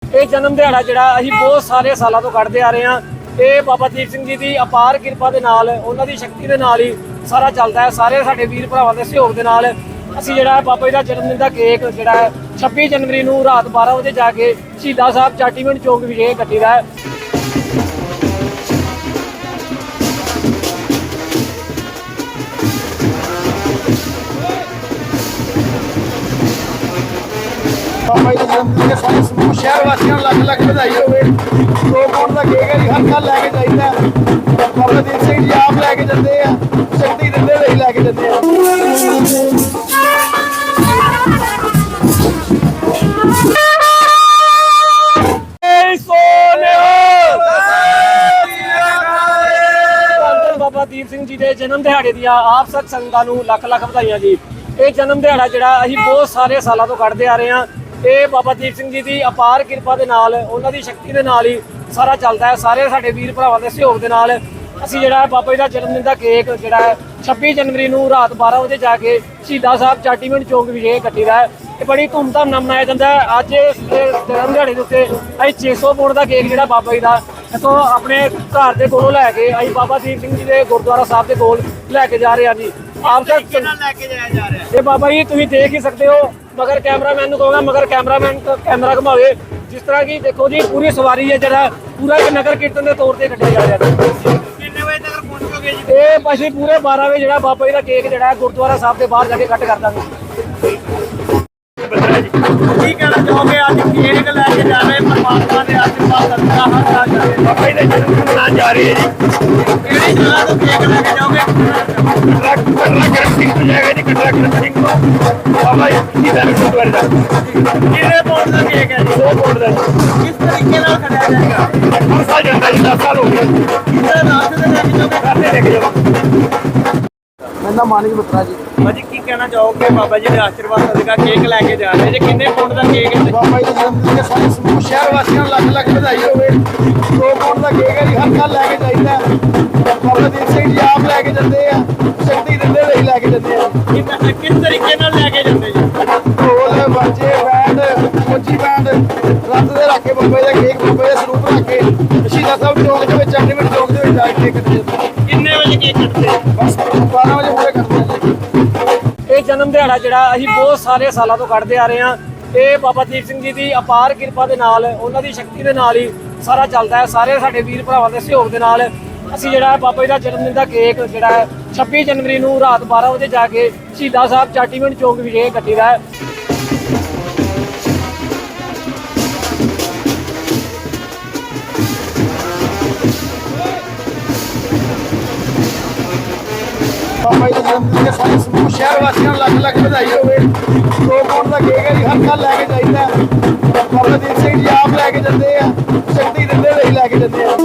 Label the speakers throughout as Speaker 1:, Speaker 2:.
Speaker 1: ਇਹ ਜਨਮ ਦਿਹਾੜਾ ਜਿਹੜਾ ਅਸੀਂ ਬਹੁਤ ਸਾਰੇ ਸਾਲਾਂ ਤੋਂ ਕੱਢਦੇ ਆ ਰਹੇ ਹਾਂ। ਇਹ ਬਾਬਾ ਦੀਪ ਸਿੰਘ ਜੀ ਦੀ ਅਪਾਰ ਕਿਰਪਾ ਦੇ ਨਾਲ, ਉਹਨਾਂ ਦੀ ਸ਼ਕਤੀ ਦੇ ਨਾਲ ਹੀ ਸਾਰਾ ਚੱਲਦਾ ਹੈ। ਸਾਰੇ ਸਾਡੇ ਵੀਰ ਭਰਾਵਾਂ ਦੇ ਸਹਿਯੋਗ ਦੇ ਨਾਲ ਅਸੀਂ ਜਿਹੜਾ ਬਾਬਾ ਜੀ ਦਾ ਜਨਮ ਦਿਨ ਦਾ ਕੇਕ ਜਿਹੜਾ ਹੈ 26 ਜਨਵਰੀ ਨੂੰ ਰਾਤ 12 ਵਜੇ ਜਾ ਕੇ ਸ਼ਹੀਦਾਂ ਸਾਹਿਬ ਚਾਟੀਵਿੰਡ ਚੌਂਕ ਵਿਖੇ ਕੱਟੀਦਾ ਹੈ।
Speaker 2: ਬਾਬਾ ਜੀ ਦੇ ਜਨਮ ਦਿਨ ਦੇ ਸਾਰੇ ਸਮੂਹ ਸ਼ਹਿਰ ਵਾਸੀਆਂ ਨੂੰ ਲੱਖ ਲੱਖ ਵਧਾਈ ਹੋਵੇ। 2 ਪੌਂਡ ਦਾ ਕੇਕ ਹੈ ਜੀ, ਹਰ ਸਾਲ ਲੈ ਕੇ ਜਾਈਦਾ। ਬਾਬਾ ਦੀਪ ਸਿੰਘ ਜੀ ਆਪ ਲੈ ਕੇ ਜਾਂਦੇ ਆ, ਸ਼ਕਤੀ ਦਿੰਦੇ ਲਈ ਲੈ ਕੇ ਜਾਂਦੇ ਆ।
Speaker 1: ਬਾਬਾ ਦੀਪ ਸਿੰਘ ਜੀ ਦੇ ਜਨਮ ਦਿਹਾੜੇ ਦੀਆਂ ਆਪ ਸਭ ਸੰਗਤਾਂ ਨੂੰ ਲੱਖ ਲੱਖ ਵਧਾਈਆਂ ਜੀ। ਇਹ ਜਨਮ ਦਿਹਾੜਾ ਜਿਹੜਾ ਅਸੀਂ ਬਹੁਤ ਸਾਰੇ ਸਾਲਾਂ ਤੋਂ ਕੱਢਦੇ ਆ ਰਹੇ ਹਾਂ। ਇਹ ਬਾਬਾ ਦੀਪ ਸਿੰਘ ਜੀ ਦੀ ਅਪਾਰ ਕਿਰਪਾ ਦੇ ਨਾਲ, ਉਹਨਾਂ ਦੀ ਸ਼ਕਤੀ ਦੇ ਨਾਲ ਹੀ ਸਾਰਾ ਚੱਲਦਾ ਹੈ। ਸਾਰੇ ਸਾਡੇ ਵੀਰ ਭਰਾਵਾਂ ਦੇ ਸਹਿਯੋਗ ਦੇ ਨਾਲ ਅਸੀਂ ਜਿਹੜਾ ਬਾਬਾ ਜੀ ਦਾ ਜਨਮ ਦਿਨ ਦਾ ਕੇਕ ਜਿਹੜਾ ਹੈ 26 ਜਨਵਰੀ ਨੂੰ ਰਾਤ 12 ਵਜੇ ਜਾ ਕੇ ਸ਼ਹੀਦਾਂ ਸਾਹਿਬ ਚਾਟੀਵਿੰਡ ਚੌਂਕ ਵਿਖੇ ਕੱਟੀਦਾ ਹੈ। ਇਹ ਬੜੀ ਧੂਮਧਾਮ ਨਾਲ ਮਨਾਇਆ ਜਾਂਦਾ ਹੈ। ਅੱਜ ਜਨਮ ਦਿਹਾੜੇ ਦੇ ਉੱਤੇ ਅਸੀਂ 600 ਪੌਂਡ ਦਾ ਕੇਕ ਜਿਹੜਾ ਬਾਬਾ ਜੀ ਦਾ ਇੱਥੋਂ ਆਪਣੇ ਘਰ ਦੇ ਕੋਲੋਂ ਲੈ ਕੇ ਅਸੀਂ ਬਾਬਾ ਦੀਪ ਸਿੰਘ ਜੀ ਦੇ ਗੁਰਦੁਆਰਾ ਸਾਹਿਬ ਦੇ ਕੋਲ ਲੈ ਕੇ ਜਾ ਰਹੇ ਹਾਂ ਜੀ। ਆਪ ਤੱਕ
Speaker 2: ਲੈ ਕੇ ਜਾਇਆ ਜਾ ਰਿਹਾ
Speaker 1: ਇਹ ਬਾਬਾ ਜੀ ਤੁਸੀਂ ਦੇਖ ਹੀ ਸਕਦੇ ਹੋ। ਮਗਰ ਕੈਮਰਾਮੈਨ ਨੂੰ ਕਹੂੰਗਾ ਮਗਰ ਕੈਮਰਾਮੈਨ ਕੈਮਰਾ ਘੁਮਾਵੇ। ਜਿਸ ਤਰ੍ਹਾਂ ਕਿ ਦੇਖੋ ਜੀ ਪੂਰੀ ਸਵਾਰੀ ਹੈ ਜਿਹੜਾ ਪੂਰਾ ਇੱਕ ਨਗਰ ਕੀਰਤਨ ਦੇ ਤੌਰ ਤੇ ਕੱਢਿਆ ਜਾ ਰਿਹਾ ਹੈ।
Speaker 2: ਕਿੰਨੇ ਵਜੇ ਤੱਕ ਪਹੁੰਚੋਗੇ ਜੀ?
Speaker 1: ਇਹ ਅਸੀਂ ਪੂਰੇ 12 ਵਜੇ ਜਿਹੜਾ ਬਾਬਾ ਜੀ ਦਾ ਕੇਕ ਜਿਹੜਾ ਗੁਰਦੁਆਰਾ ਸਾਹਿਬ ਦੇ ਬਾਹਰ ਜਾ ਕੇ ਕੱਟ ਕਰ ਦਾਂਗੇ।
Speaker 2: ਕੀ ਕਹਿਣਾ ਚਾਹੋਗੇ ਅੱਜ ਕੇਕ ਲੈ ਕੇ ਜਾ ਰਹੇ ਪਰਮਾਤਮਾ ਦੇ ਆਸ਼ੀਰਵਾਦ ਸਦਕਾ ਹਰ ਸਾਲ ਜਾ ਰਹੇ ਬਾਬਾ ਜੀ ਦੇ ਜਨਮ ਦਿਨ ਮਨਾਉਣ ਜਾ ਰਹੇ ਜੀ। ਕਿਹੜੀ ਜਗ੍ਹਾ ਤੋਂ ਕੇਕ ਲੈ ਕੇ ਜਾਓਗੇ? ਕਟਰਾ ਸਿੰਘ ਤੋਂ ਜਾਏਗਾ ਜੀ, ਕਟਰਾ ਸਿੰਘ ਤੋਂ ਬਾਬਾ ਜੀ ਦਾ ਗੁਰਦੁਆਰੇ ਦਾ। ਕਿੰਨੇ ਪੌਂਡ ਦਾ ਕੇਕ ਹੈ ਜੀ? 2 ਪੌਂਡ ਦਾ। ਕਿਸ ਤਰੀਕੇ ਨਾਲ ਖੜਿਆ ਜਾਏਗਾ? ਹਰ ਸਾਲ ਜਾਂਦਾ ਜੀ, 10 ਸਾਲ ਹੋ ਗਏ। ਕਿਹਦੇ ਰਾਸਤੇ ਤੇ ਲੈ ਕੇ ਜਾਓਗੇ? ਰਾਸਤੇ ਲੈ ਕੇ ਜਾਵਾਂਗੇ।
Speaker 3: ਮੇਰਾ ਮਾਨਿਕ ਬਤਰਾ ਜੀ।
Speaker 2: ਭਾਜੀ ਕੀ ਕਹਿਣਾ ਚਾਹੋਗੇ ਬਾਬਾ ਜੀ ਦੇ ਆਸ਼ੀਰਵਾਦ ਸਦਕਾ ਕੇਕ ਲੈ ਕੇ ਜਾ ਰਹੇ ਜੀ? ਕਿੰਨੇ ਪੌਂਡ ਦਾ ਕੇਕ ਹੈ?
Speaker 3: ਬਾਬਾ ਜੀ ਦੇ ਜਨਮ ਦਿਨ ਦੇ ਸਾਰੇ ਸਮੂਹ ਸ਼ਹਿਰ ਵਾਸੀਆਂ ਨੂੰ ਲੱਖ ਲੱਖ ਵਧਾਈ ਹੋਵੇ। 2 ਪੌਂਡ ਦਾ ਕੇਕ ਹੈ ਜੀ, ਹਰ ਸਾਲ ਲੈ ਕੇ ਜਾਈਦਾ। ਬਾਬਾ ਦੀਪ ਸਿੰਘ ਜੀ ਆਪ ਲੈ ਕੇ ਜਾਂਦੇ ਆ, ਸ਼ਕਤੀ ਦਿੰਦੇ ਲਈ ਲੈ ਕੇ ਜਾਂਦੇ ਆ।
Speaker 2: ਕਿਸ ਤਰੀਕੇ ਨਾਲ ਲੈ ਕੇ ਜਾਂਦੇ ਜੀ?
Speaker 3: ਢੋਲ ਬਾਜੇ ਬੈਂਡ ਫੌਜੀ ਬੈਂਡ ਰੱਤ ਦੇ ਰੱਖ ਕੇ ਬਾਬਾ ਜੀ ਦਾ ਕੇਕ ਬਾਬਾ ਜੀ ਦਾ ਸਰੂਪ ਰੱਖ ਕੇ ਸ਼ਹੀਦਾਂ ਸਾਹਿਬ ਚੌਂਕ ਦੇ ਵਿੱਚ ਚਾਟੀਵਿੰਡ ਚੌਂਕ ਦੇ ਵਿੱਚ ਜਾ ਕੇ ਕੱਟਦੇ ਜਾਂਦੇ।
Speaker 2: ਕਿੰਨੇ ਵਜੇ ਕੇਕ ਕੱਟਦੇ?
Speaker 3: ਬਸ 12 ਵਜੇ ਪੂਰੇ ਕਰਦੇ ਜੀ।
Speaker 1: ਇਹ ਜਨਮ ਦਿਹਾੜਾ ਜਿਹੜਾ ਅਸੀਂ ਬਹੁਤ ਸਾਰੇ ਸਾਲਾਂ ਤੋਂ ਕੱਢਦੇ ਆ ਰਹੇ ਹਾਂ। ਇਹ ਬਾਬਾ ਦੀਪ ਸਿੰਘ ਜੀ ਦੀ ਅਪਾਰ ਕਿਰਪਾ ਦੇ ਨਾਲ, ਉਹਨਾਂ ਦੀ ਸ਼ਕਤੀ ਦੇ ਨਾਲ ਹੀ ਸਾਰਾ ਚੱਲਦਾ ਹੈ। ਸਾਰੇ ਸਾਡੇ ਵੀਰ ਭਰਾਵਾਂ ਦੇ ਸਹਿਯੋਗ ਦੇ ਨਾਲ ਅਸੀਂ ਜਿਹੜਾ ਬਾਬਾ ਜੀ ਦਾ ਜਨਮ ਦਿਨ ਦਾ ਕੇਕ ਜਿਹੜਾ ਹੈ 26 ਜਨਵਰੀ ਨੂੰ ਰਾਤ 12 ਵਜੇ ਜਾ ਕੇ ਸ਼ਹੀਦਾਂ ਸਾਹਿਬ ਚਾਟੀਵਿੰਡ ਚੌਂਕ ਵਿਖੇ ਕੱਟੀਦਾ ਹੈ।
Speaker 3: ਬਾਬਾ ਜੀ ਦੇ ਜਨਮ ਦਿਨ ਦੇ ਸਾਰੇ ਸਮੂਹ ਸ਼ਹਿਰ ਵਾਸੀਆਂ ਨੂੰ ਲੱਖ ਲੱਖ ਵਧਾਈ ਹੋਵੇ। 2 ਪੌਂਡ ਦਾ ਕੇਕ ਹੈ ਜੀ, ਹਰ ਸਾਲ ਲੈ ਕੇ ਜਾਈਦਾ। ਬਾਬਾ ਦੀਪ ਸਿੰਘ ਜੀ ਆਪ ਲੈ ਕੇ ਜਾਂਦੇ ਆ, ਸ਼ਕਤੀ ਦਿੰਦੇ ਲਈ ਲੈ ਕੇ ਜਾਂਦੇ ਆ।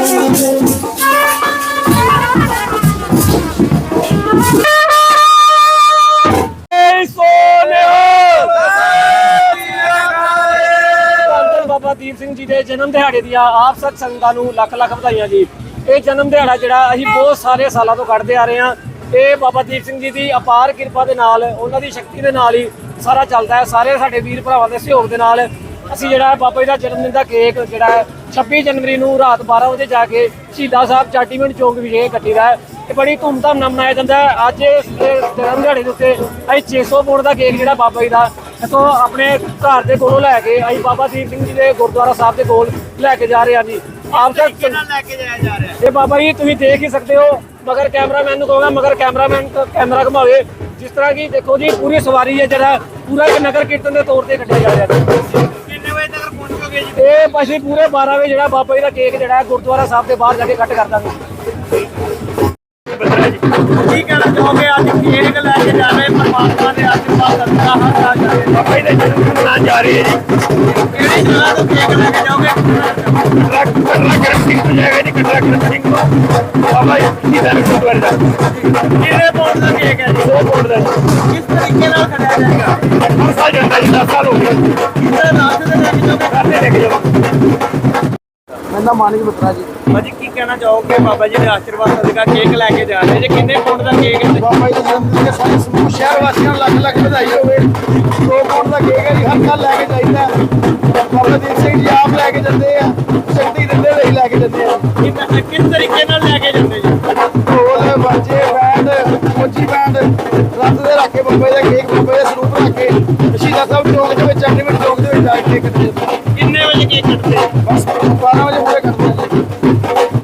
Speaker 1: ਬਾਬਾ ਦੀਪ ਸਿੰਘ ਜੀ ਦੇ ਜਨਮ ਦਿਹਾੜੇ ਦੀਆਂ ਆਪ ਸਭ ਸੰਗਤਾਂ ਨੂੰ ਲੱਖ ਲੱਖ ਵਧਾਈਆਂ ਜੀ। ਇਹ ਜਨਮ ਦਿਹਾੜਾ ਜਿਹੜਾ ਅਸੀਂ ਬਹੁਤ ਸਾਰੇ ਸਾਲਾਂ ਤੋਂ ਕੱਢਦੇ ਆ ਰਹੇ ਹਾਂ। ਇਹ ਬਾਬਾ ਦੀਪ ਸਿੰਘ ਜੀ ਦੀ ਅਪਾਰ ਕਿਰਪਾ ਦੇ ਨਾਲ, ਉਹਨਾਂ ਦੀ ਸ਼ਕਤੀ ਦੇ ਨਾਲ ਹੀ ਸਾਰਾ ਚੱਲਦਾ ਹੈ। ਸਾਰੇ ਸਾਡੇ ਵੀਰ ਭਰਾਵਾਂ ਦੇ ਸਹਿਯੋਗ ਦੇ ਨਾਲ ਅਸੀਂ ਜਿਹੜਾ ਬਾਬਾ ਜੀ ਦਾ ਜਨਮ ਦਿਨ ਦਾ ਕੇਕ ਜਿਹੜਾ ਹੈ 26 ਜਨਵਰੀ ਨੂੰ ਰਾਤ 12 ਵਜੇ ਜਾ ਕੇ ਸ਼ਹੀਦਾਂ ਸਾਹਿਬ ਚਾਟੀਵਿੰਡ ਚੌਂਕ ਵਿਖੇ ਕੱਟੀਦਾ ਹੈ। ਇਹ ਬੜੀ ਧੂਮਧਾਮ ਨਾਲ ਮਨਾਇਆ ਜਾਂਦਾ ਹੈ। ਅੱਜ ਜਨਮ ਦਿਹਾੜੇ ਦੇ ਉੱਤੇ ਅਸੀਂ 600 ਪੌਂਡ ਦਾ ਕੇਕ ਜਿਹੜਾ ਬਾਬਾ ਜੀ ਦਾ ਇੱਥੋਂ ਆਪਣੇ ਘਰ ਦੇ ਕੋਲੋਂ ਲੈ ਕੇ ਅਸੀਂ ਬਾਬਾ ਦੀਪ ਸਿੰਘ ਜੀ ਦੇ ਗੁਰਦੁਆਰਾ ਸਾਹਿਬ ਦੇ ਕੋਲ ਲੈ ਕੇ ਜਾ ਰਹੇ ਹਾਂ ਜੀ। ਆਪ ਤੱਕ
Speaker 2: ਲੈ ਕੇ ਜਾਇਆ ਜਾ ਰਿਹਾ
Speaker 1: ਇਹ ਬਾਬਾ ਜੀ ਤੁਸੀਂ ਦੇਖ ਹੀ ਸਕਦੇ ਹੋ। ਮਗਰ ਕੈਮਰਾਮੈਨ ਨੂੰ ਕਹੂੰਗਾ ਮਗਰ ਕੈਮਰਾਮੈਨ ਕੈਮਰਾ ਘੁਮਾਵੇ। ਜਿਸ ਤਰ੍ਹਾਂ ਕਿ ਦੇਖੋ ਜੀ ਪੂਰੀ ਸਵਾਰੀ ਹੈ ਜਿਹੜਾ ਪੂਰਾ ਇੱਕ ਨਗਰ ਕੀਰਤਨ ਦੇ ਤੌਰ ਤੇ ਕੱਢਿਆ ਜਾ ਰਿਹਾ ਹੈ।
Speaker 2: ਕਿੰਨੇ ਵਜੇ ਤੱਕ ਪਹੁੰਚੋਗੇ ਜੀ?
Speaker 1: ਇਹ ਅਸੀਂ ਪੂਰੇ 12 ਵਜੇ ਜਿਹੜਾ ਬਾਬਾ ਜੀ ਦਾ ਕੇਕ ਜਿਹੜਾ ਗੁਰਦੁਆਰਾ ਸਾਹਿਬ ਦੇ ਬਾਹਰ ਜਾ ਕੇ ਕੱਟ ਕਰ ਦਾਂਗੇ।
Speaker 2: ਕੀ ਕਹਿਣਾ ਚਾਹੋਗੇ ਅੱਜ ਕੇਕ ਲੈ ਕੇ ਜਾ ਰਹੇ ਪਰਮਾਤਮਾ ਦੇ ਆਸ਼ੀਰਵਾਦ ਸਦਕਾ ਹਰ ਸਾਲ ਜਾ ਰਹੇ ਬਾਬਾ ਜੀ ਦੇ ਜਨਮ ਦਿਨ ਮਨਾਉਣ ਜਾ ਰਹੇ ਜੀ। ਕਿਹੜੀ ਜਗ੍ਹਾ ਤੋਂ ਕੇਕ ਲੈ ਕੇ ਜਾਓਗੇ? ਕਟਰਾ ਸਿੰਘ ਤੋਂ ਜਾਏਗਾ ਜੀ, ਕਟਰਾ ਸਿੰਘ ਤੋਂ ਬਾਬਾ ਜੀ ਦਾ ਗੁਰਦੁਆਰੇ ਦਾ। ਕਿੰਨੇ ਪੌਂਡ ਦਾ ਕੇਕ ਹੈ ਜੀ? 2 ਪੌਂਡ ਦਾ। ਕਿਸ ਤਰੀਕੇ ਨਾਲ ਖੜਿਆ ਜਾਏਗਾ? ਹਰ ਸਾਲ ਜਾਂਦਾ ਜੀ, 10 ਸਾਲ ਹੋ ਗਏ। ਕਿਹਦੇ ਰਾਸਤੇ ਤੇ ਲੈ ਕੇ ਜਾਓਗੇ? ਰਾਸਤੇ ਲੈ ਕੇ ਜਾਵਾਂਗੇ।
Speaker 3: ਮੇਰਾ ਮੇਰਾ ਮਾਨਿਕ ਮਿੱਤਰਾ ਜੀ।
Speaker 2: ਭਾਜੀ ਕੀ ਕਹਿਣਾ ਚਾਹੋਗੇ ਬਾਬਾ ਜੀ ਦੇ ਆਸ਼ੀਰਵਾਦ ਸਦਕਾ ਕੇਕ ਲੈ ਕੇ ਜਾ ਰਹੇ ਜੇ ਕਿੰਨੇ ਪੌਂਡ ਦਾ ਕੇਕ ਹੈ?
Speaker 3: ਬਾਬਾ ਜੀ ਦੇ ਜਨਮ ਦਿਨ ਦੇ ਸਾਰੇ ਸਮੂਹ ਸ਼ਹਿਰ ਵਾਸੀਆਂ ਨੂੰ ਲੱਖ ਲੱਖ ਵਧਾਈ ਹੋਵੇ। 2 ਪੌਂਡ ਦਾ ਕੇਕ ਹੈ ਜੀ, ਹਰ ਸਾਲ ਲੈ ਕੇ ਜਾਈਦਾ ਹੈ। ਬਾਬਾ ਦੀਪ ਸਿੰਘ ਜੀ ਆਪ ਲੈ ਕੇ ਜਾਂਦੇ ਆ, ਸ਼ਕਤੀ ਦਿੰਦੇ ਲਈ ਲੈ ਕੇ ਜਾਂਦੇ ਆ।
Speaker 2: ਕਿਸ ਤਰੀਕੇ ਨਾਲ ਲੈ ਕੇ ਜਾਂਦੇ ਜੀ?
Speaker 3: ਢੋਲ ਬਾਜੇ ਬੈਂਡ ਮੋਚੀ ਬੈਂਡ ਰੱਤ ਦੇ ਰੱਖ ਕੇ ਬਾਬਾ ਜੀ ਦਾ ਕੇਕ ਬਾਬਾ ਜੀ ਦਾ ਸਰੂਪ ਰੱਖ ਕੇ ਸ਼ਹੀਦਾਂ ਸਾਹਿਬ ਚੌਂਕ ਦੇ ਵਿੱਚ ਐਂਟੀਮੇਟ ਚੌਂਕ ਦੇ ਵਿੱਚ ਜਾ ਕੇ ਕੇਕ ਕੱਟਦੇ
Speaker 2: ਕਿੰਨੇ ਵਜੇ ਕੇਕ ਕੱਟਦੇ?
Speaker 3: ਬਸ 12 ਵਜੇ ਪੂਰੇ